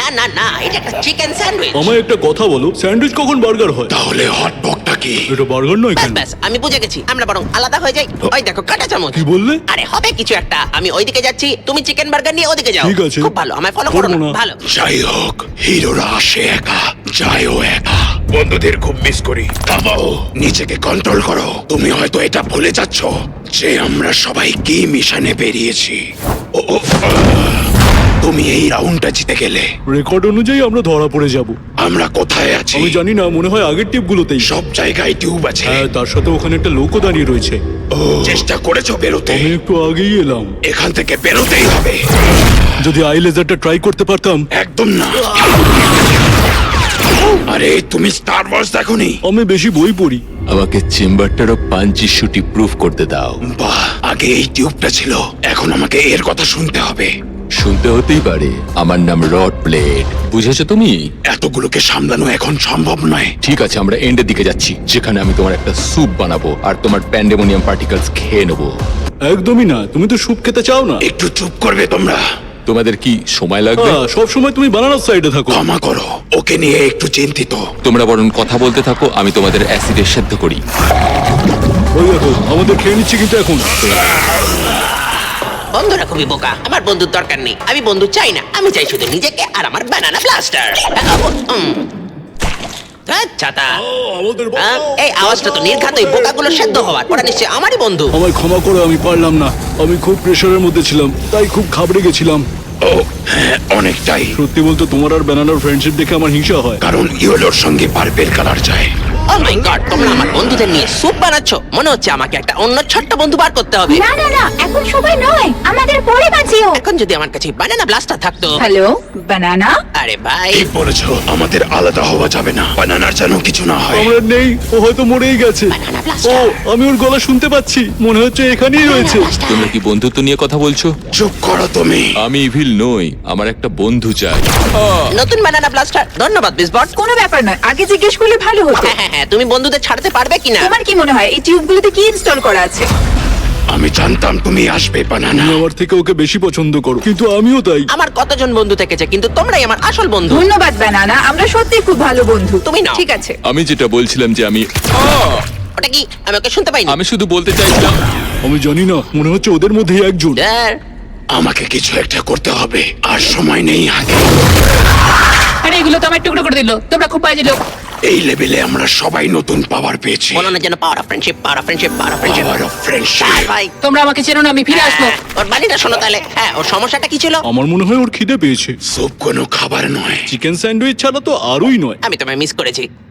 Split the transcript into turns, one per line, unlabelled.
না না, এটা একটা চিকেন স্যান্ডউইচ।
আমায় একটা কথা বলো, স্যান্ডউইচ কখন বার্গার হয়?
তাহলে হট ডগটা কি?
এটা বার্গার নয়
ব্যাস
কেন?
ব্যাস, আমি বুঝে গেছি, আমরা বরং আলাদা হয়ে যাই। ওই দেখো কাঁটা চামচ।
কি বললে?
আরে হবে কিছু একটা, আমি ওইদিকে যাচ্ছি, তুমি চিকেন বার্গার নিয়ে ওদিকে যাও।
ঠিক আছে।
খুব ভালো, আমায় ফলো করো
করবো
না।
না।
ভালো।
যাই হোক, হিরোরা আসে একা, যায়ও একা। বন্ধুদের খুব মিস করি। থামাও, নিজেকে কন্ট্রোল করো। তুমি হয়তো এটা ভুলে যাচ্ছ যে আমরা সবাই কি মিশনে বেরিয়েছি। ও ও, তুমি এই রাউন্ডটা জিতে গেলে
রেকর্ড অনুযায়ী আমরা ধরা পড়ে যাব।
আমরা কোথায় আছি?
আমি জানি না, মনে হয় আগের টিপগুলোতেই।
সব জায়গায় টিউব আছে।
হ্যাঁ, তার সাথে ওখানে একটা লোকও দাঁড়িয়ে রয়েছে।
চেষ্টা করেছো বেরোতে?
আমি একটু আগেই এলাম।
এখান থেকে বেরোতেই হবে।
যদি আই লেজারটা ট্রাই করতে পারতাম।
একদম না। আরে তুমি স্টার ওয়ার্স দেখোনি?
আমি বেশি বই পড়ি।
আমাকে চেম্বারটারও পাঞ্চি শুটি প্রুফ করতে দাও।
বাহ, আগে এই টিউবটা ছিল, এখন আমাকে এর কথা শুনতে হবে।
শুনতে হতেই পারে, আমার নাম রড প্লেট, বুঝেছো তুমি?
এতগুলোকে সামলানো এখন সম্ভব নয়।
ঠিক আছে, আমরা এন্ডের দিকে যাচ্ছি, যেখানে আমি তোমার একটা স্যুপ বানাবো আর তোমার প্যান্ডেমোনিয়াম পার্টিকেলস খেয়ে নেবো।
একদমই না, তুমি তো স্যুপ খেতে চাও না।
একটু চুপ করবে তোমরা?
তোমাদের কি সময় লাগবে?
সব সময় তুমি বানানোর সাইডে থাকো।
ক্ষমা করো, ওকে নিয়ে একটু চিন্তিত।
তোমরা বরং কথা বলতে থাকো, আমি তোমাদের অ্যাসিডে সেদ্ধ করি।
ওই দেখো, আমাদের খেয়ে নিচ্ছে কিন্তু এখন।
বন্ধুরা খুবই বোকা, আমার বন্ধুর দরকার নেই, আমি বন্ধু চাই না, আমি চাই শুধু নিজেকে আর আমার ব্যানানা ব্লাস্টার। ছাতা। এই আওয়াজটা তো নির্ঘাত ওই বোকাগুলো সেদ্ধ হওয়ার। ওরা নিশ্চয়ই আমারই বন্ধু।
আমায় ক্ষমা করো, আমি পারলাম না। আমি খুব প্রেশারের মধ্যে ছিলাম, তাই খুব ঘাবড়ে গেছিলাম।
ও হ্যাঁ, অনেকটাই।
সত্যি বলতে তোমার আর ব্যানানার ফ্রেন্ডশিপ দেখে আমার হিংসা হয়।
কারণ ইয়েলোর সঙ্গে পার্পেল কালার যায়।
ও মাই গড, তোমরা আমার বন্ধুদের নিয়ে স্যুপ বানাচ্ছ। মনে হচ্ছে আমাকে একটা অন্য ছোট্ট বন্ধু বার করতে হবে।
না না না, এখন সময় নয়, আমাদের পরে বাঁচিও।
এখন যদি আমার কাছে ব্যানানা ব্লাস্টার থাকতো।
Hello banana.
আরে ভাই,
ঠিক বলেছো, আমাদের আলাদা হওয়া যাবে না। বানানার যেন কিছু না হয়।
আমরা নেই, ও হয়তো মরেই গেছে।
Banana
ও,
blaster।
আমি ওর গলা শুনতে পাচ্ছি, মনে হচ্ছে এখানেই রয়েছে।
তোমরা কি বন্ধুত্ব নিয়ে কথা বলছো?
চুপ করো তুমি।
আমি ইভিল নই, আমার একটা বন্ধু চাই।
নতুন ব্যানানা ব্লাস্টার। ধন্যবাদ বিসবট।
কোনো ব্যাপার নয়, আগে জিজ্ঞেস করলে ভালো হতো।
হ্যাঁ, তুমি বন্ধুদের ছাড়তে পারবে কিনা?
তোমার কি মনে হয় এই টিউবগুলোতে কি ইনস্টল করা আছে?
আমি জানতাম তুমি আসবে বানানা।
তুমি আমার থেকে ওকে বেশি পছন্দ করো, কিন্তু আমিও তাই।
আমার কতজন বন্ধু থেকেছে, কিন্তু তোমরাই আমার আসল বন্ধু।
ধন্যবাদ বানানা, আমরা সত্যি খুব ভালো বন্ধু।
তুমি নাও।
ঠিক আছে।
আমি যেটা বলছিলাম যে
ওটা কি? আমি ওকে শুনতে পাইনি।
আমি শুধু বলতে চাইছিলাম।
আমি জানি না, মনে হচ্ছে ওদের মধ্যেই একজন।
ড্যার।
আমাকে কিছু একটা করতে হবে, আর সময় নেই হাতে।
আরে এগুলো তো আমার টুকরো করে দিল, তোমরা খুব বাজে লোক।
এই লেভেলে আমরা সবাই নতুন পাওয়ার পেয়েছি।
বলো না যেন power of friendship, power of friendship, power of friendship.
Power of friendship.
ভাই,
তোমরা আমাকে চেনো না, আমি ফিরে আসবো।
ওর বাড়িটা শোনো তাহলে। হ্যাঁ, ওর সমস্যাটা কি ছিল?
আমার মনে হয় ওর খিদে পেয়েছে।
স্যুপ কোনো খাবার নয়।
চিকেন স্যান্ডউইচ ছাড়া তো আরই নয়।
আমি তোমায় মিস করেছি।